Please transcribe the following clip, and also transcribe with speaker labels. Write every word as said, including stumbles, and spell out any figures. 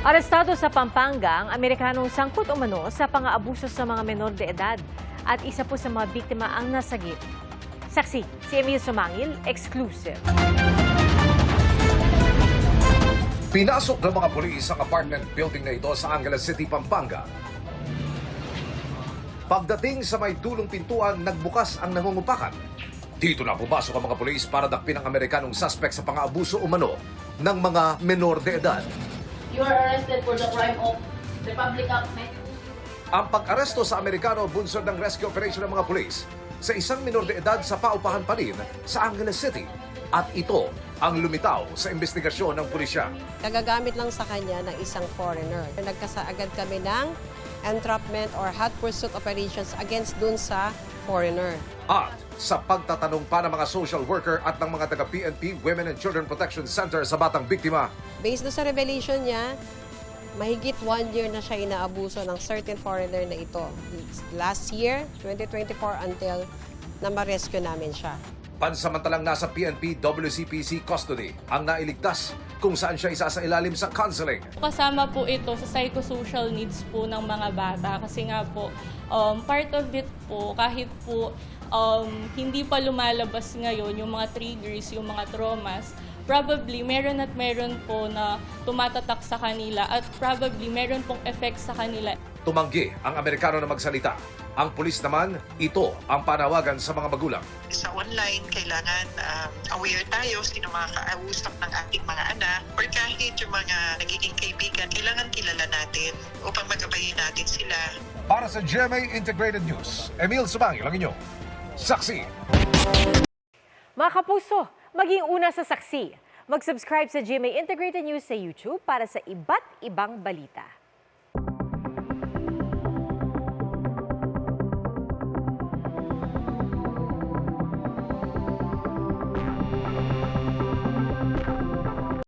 Speaker 1: Arestado sa Pampanga ang Amerikanong sangkot umano sa pang-aabuso sa mga menor de edad at isa po sa mga biktima ang nasagip. Saksi, si Emil Sumangil, exclusive.
Speaker 2: Pinasok ng mga pulis ang apartment building na ito sa Angeles City, Pampanga. Pagdating sa may dulong pintuan, nagbukas ang nangungupakan. Dito na pumasok ang mga pulis para dakpin ang Amerikanong suspect sa pang-aabuso umano ng mga menor de edad.
Speaker 3: You are arrested for the crime of Republic Act ninety.
Speaker 2: Ang pag-aresto sa Amerikano bunsod ng rescue operation ng mga pulis sa isang minor de edad sa paupahan pa rin sa Angeles City. At ito ang lumitaw sa investigasyon ng pulisya.
Speaker 4: Nagagamit lang sa kanya ng isang foreigner. Nagkasaagad kami ng entrapment or hot pursuit operations against dun sa foreigner.
Speaker 2: At sa pagtatanong pa ng mga social worker at ng mga taga-P N P Women and Children Protection Center sa batang biktima,
Speaker 4: Based doon sa revelation niya, mahigit one year na siya inaabuso ng certain foreigner na ito. Last year, twenty twenty-four, until na ma-rescue namin siya.
Speaker 2: pansamantalang nasa P N P W C P C custody ang nailigtas kung saan siya isa sa ilalim sa counseling.
Speaker 5: Kasama po ito sa psychosocial needs po ng mga bata kasi nga po um, part of it po kahit po um, hindi pa lumalabas ngayon yung mga triggers, yung mga traumas, probably meron at meron po na tumatatak sa kanila at probably meron pong effect sa kanila.
Speaker 2: Tumanggi ang Amerikano na magsalita. Ang pulis naman, ito ang panawagan sa mga magulang.
Speaker 6: Sa online, kailangan um, aware tayo sino mga kausap ng ating mga anak or kahit yung mga nagiging kaibigan, kailangan kilala natin upang magabayin natin sila.
Speaker 2: Para sa G M A Integrated News, Emil Sumangil ang inyong saksi.
Speaker 1: Mga kapuso, maging una sa saksi. Mag-subscribe sa G M A Integrated News sa YouTube para sa iba't ibang balita.